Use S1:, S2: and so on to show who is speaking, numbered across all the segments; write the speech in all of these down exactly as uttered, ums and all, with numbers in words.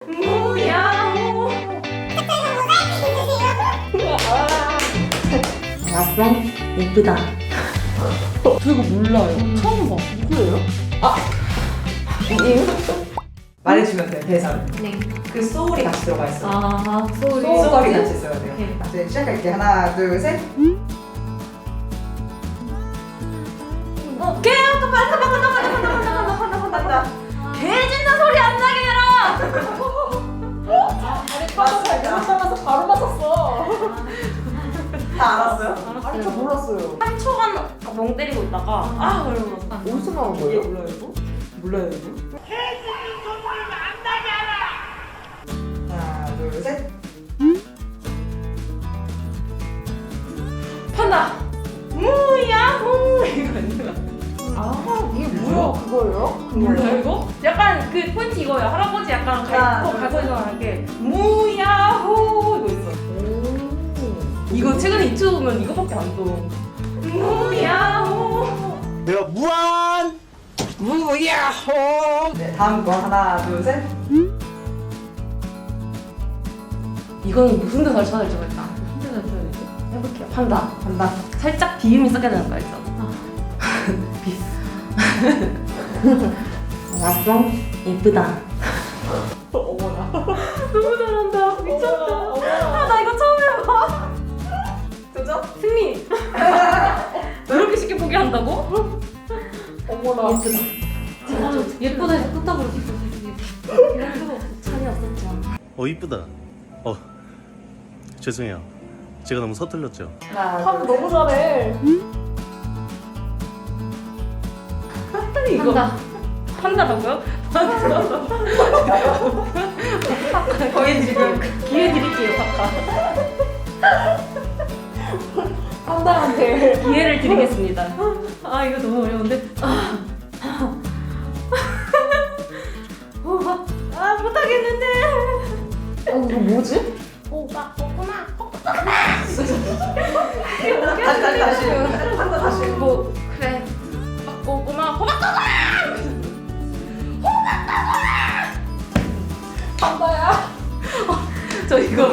S1: 무야호.
S2: 아빠 예쁘다.
S1: 저 이거 몰라요. 처음 봐.
S2: 누구예요?
S3: 이유? 말해주면 돼요, 대사를.
S2: 네.
S3: 그 소울이 같이 들어가 있어요.
S2: 아 소리.
S3: 소울이 같이 있어야 돼요.
S2: 오케이.
S3: 이제 시작할게요. 하나, 둘, 셋.
S1: 어, 개 아까 빨리 간다 간다 간다 간다 간다 간다 간다 간다. 개 짖는 소리 안 나게 해라.
S3: 맞습니다.
S2: 나가서 바로 맞았어.
S3: 다 알았어요?
S2: 아니 저 몰랐어요.
S1: 한 초간 멍 때리고 있다가 아 그러고
S2: 어디서 나온
S3: 이게
S2: 거예요?
S3: 몰라요, 이거? 몰라요, 이거? 하나, 둘, 셋.
S1: 판다. 무야호 이거 있는 거.
S2: 아 이게 뭐야 그거예요?
S1: 몰라요 이거? 약간 그 포인트 이거예요. 할아버지 약간
S3: 하나,
S1: 갈고
S3: 둘,
S1: 갈고 있는 게 무야호 이거 있어. 이거 최근에 유튜브 보면 이거밖에 안 떠. 무야호.
S4: 내가 무한 무야호.
S3: 네, 다음 거 하나, 둘, 셋.
S1: 이거는 무슨 대사를 찾아야 될지 모르겠다. 무슨 대사를 찾아야 되지? 해볼게요. 판다.
S3: 간다.
S1: 살짝 비음이 섞여야 되는 거 알죠? 비.
S2: 아빠 예쁘다.
S3: 어머나.
S1: 너무 잘한다. 미쳤다. 아, 나 이거 처음 해봐.
S3: 도전?
S1: 승리. 이렇게 쉽게 포기한다고?
S2: 어머나.
S1: 예쁘다. 진짜 예쁘다 해서 끝나고 그렇게 이런 거 차이 없었죠.
S4: 어 이쁘다. 어 죄송해요. 제가 너무 서툴렀죠.
S3: 하나,
S2: 참
S3: 둘,
S2: 너무 잘해.
S1: 이거 판다라고요? 판다라고.
S3: 거의 지금
S1: 기회 드릴게요, 파파.
S2: 판다한테.
S1: 기회를 드리겠습니다. 아 이거 너무 어려운데. 아, 어, 아 못하겠는데.
S2: 어 이거 뭐지?
S1: 오빠 꼬꼬마.
S3: 다시, 다시, 다시. 한다, 다시.
S1: 뭐 그래. 호박 꼬꼬마 호박 꼬꼬마.
S2: 판다야.
S1: 저 이거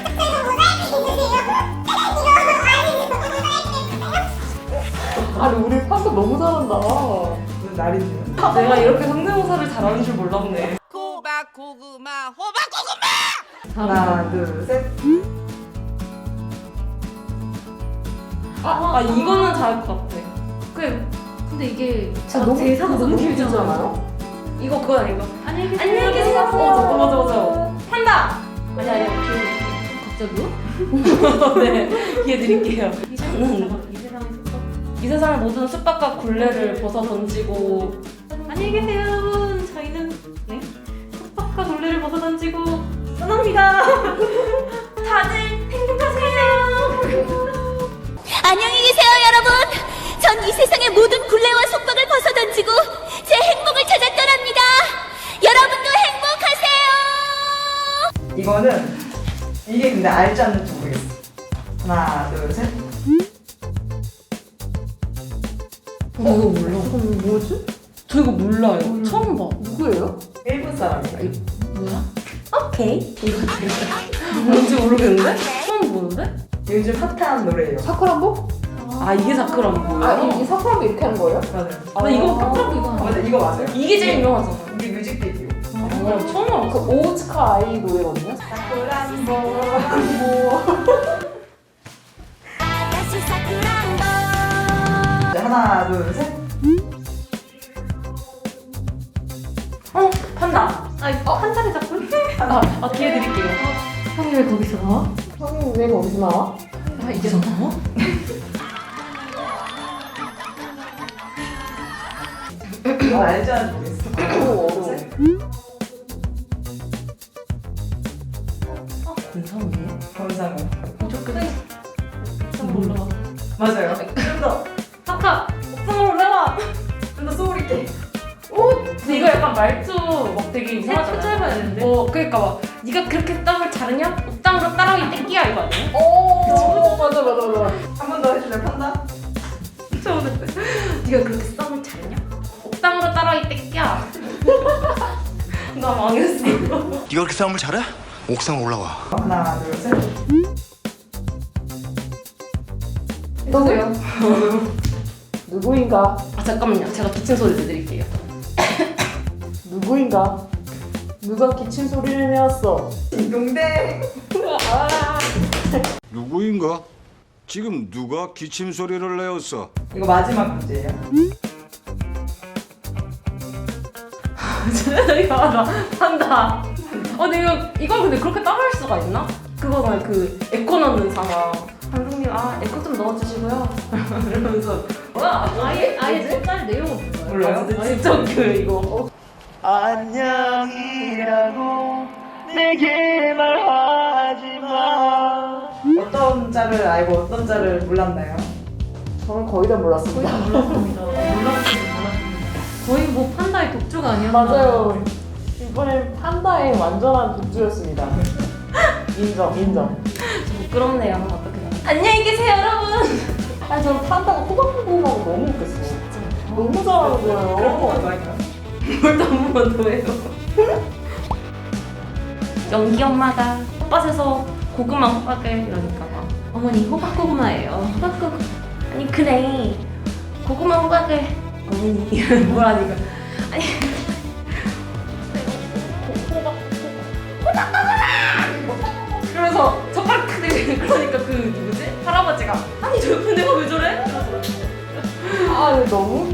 S2: 아니 우리 판다 너무 잘한다.
S3: 무슨 날이지?
S1: 내가 이렇게 성대모사를 잘하는 줄 몰랐네.
S5: 호박 고구마 호박 고구마
S3: 하나, 둘, 셋.
S1: 아, 아 이거는 잘할 것 같아. 그 근데 이게
S2: 아, 너무
S1: 대사가 너무 길잖아.
S2: 길잖아요.
S1: 이거 그거 아닌가? 안녕히 계세요. 안녕히 계세요. 어, 맞아 맞아 맞아. 판다. 아니 아니 기회 갑자기요? 네 기회 드릴게요. 저는 이 세상의 숲박 이 세상의 모든 숲박과 굴레를 벗어 던지고 안녕히 계세요 여러분. 저희는 네 숲박과 굴레를 벗어 던지고 떠납니다. 다들 행복하세요.
S6: 안녕히 계세요, 여러분. 전 이 세상의 모든 굴레와 속박을 벗어던지고 제 행복을 찾아 떠납니다. 여러분도 행복하세요.
S3: 이거는 이게 근데 알지 않는지 모르겠어. 하나, 둘, 셋.
S1: 어, 이거 몰라.
S2: 그럼 뭐지?
S1: 저 이거 몰라요. 처음 봐.
S2: 누구예요?
S3: 일본 사람이에요.
S1: 뭐야? 오케이. 이거 뭔지 모르겠는데? 처음 보는데?
S3: 요즘 핫한 노래예요.
S2: 사쿠란보?
S1: 아 이게 사쿠란보예요?
S2: 아 이, 이 사쿠란보 이렇게 하는 거예요?
S3: 맞아요.
S1: 나 이거 사쿠란보 이거
S3: 아, 맞아, 이거 맞아요.
S1: 이게 제일 유명하잖아.
S3: 우리 뮤직비디오.
S1: 어, 처음
S2: 그
S1: 알았어.
S2: 오츠카 아이 노래거든요. 사쿠란보.
S6: 아가씨 사쿠란보.
S3: 네, 하나, 둘, 셋.
S1: 어 판다. 아, 한 자리 잡고. 아, 아 기회 드릴게요. 형이 왜 거기서 나와?
S2: 형님 왜 거기서 나와?
S1: 아 이게 나와?
S3: 이거 알지 않는지 모르겠어.
S2: 너무 어려워.
S3: 셋.
S1: 아 이상해.
S3: 검상은.
S1: 무조건. 몰라.
S3: 맞아요. 좀 더.
S1: 파카 옥상으로 내와.
S3: 좀 더 소울 있게.
S1: 근데 이거 약간 말투 막 되게 이상하잖아. 짧아야 되는데. 어 그러니까 막 네가 그렇게 땀을 자르냐? 옥상으로 따라오기 땡기야 이거 아니야?
S2: 오 맞아 맞아 맞아.
S3: 한 번 더 해줄래, 판다?
S1: 처음 듣 네가 그렇게 썸을 잘냐? 옥상으로 따라오기 땡기야. 나 망했어.
S7: 네가 그렇게 싸움을 잘해? 옥상 올라와.
S3: 하나, 둘, 셋.
S2: 누구요? 누구인가?
S1: 아 잠깐만요. 제가 기침 소리 내드릴게요.
S2: 누구인가? 누가 기침 소리를 내었어?
S3: 딩동댕.
S8: 누구인가? 지금 누가 기침 소리를 내었어?
S3: 이거 마지막 문제예요.
S1: 이거 나 한다. 어, 근데 이거 이걸 근데 그렇게 따라할 수가 있나? 그거는 그 에코 넣는 상황. 감독님, 아 에코 좀 넣어주시고요. 이러면서 뭐야? 아예 아예 색깔 내용은
S3: 몰라요?
S1: 아, 진짜 진짜 그 이거.
S4: 안녕이라고 내게 말하지 마.
S3: 어떤 짤을 알고 어떤 짤을 몰랐나요?
S2: 저는 거의 다 몰랐습니다.
S1: 몰랐습니다. 몰랐습니다. 몰랐습니다. 거의 뭐 판다의 독주가 아니었나?
S2: 맞아요. 이번엔 판다의 완전한 독주였습니다. 인정, 인정.
S1: 부끄럽네요. 어떻게? 안녕히 계세요, 여러분.
S2: 아니 저 판다가 호박호박하고 너무 웃겼어. 너무 잘하는
S3: 그런
S2: 거예요.
S3: 거 아닌가요?
S1: 뭘 너무 더해요. 연기 엄마가 호박에서 고구마 호박을 이러니까 막 어머니 호박 고구마예요. 호박 고구 아니 그래 고구마 호박을 어머니 뭐라니까 아니 호박 호박 고구마 그러면서 젓가락 탁 내밀 그러니까 그 누구지 할아버지가 아니 저 옆에 내가 왜 저래?
S2: 아 이거 너무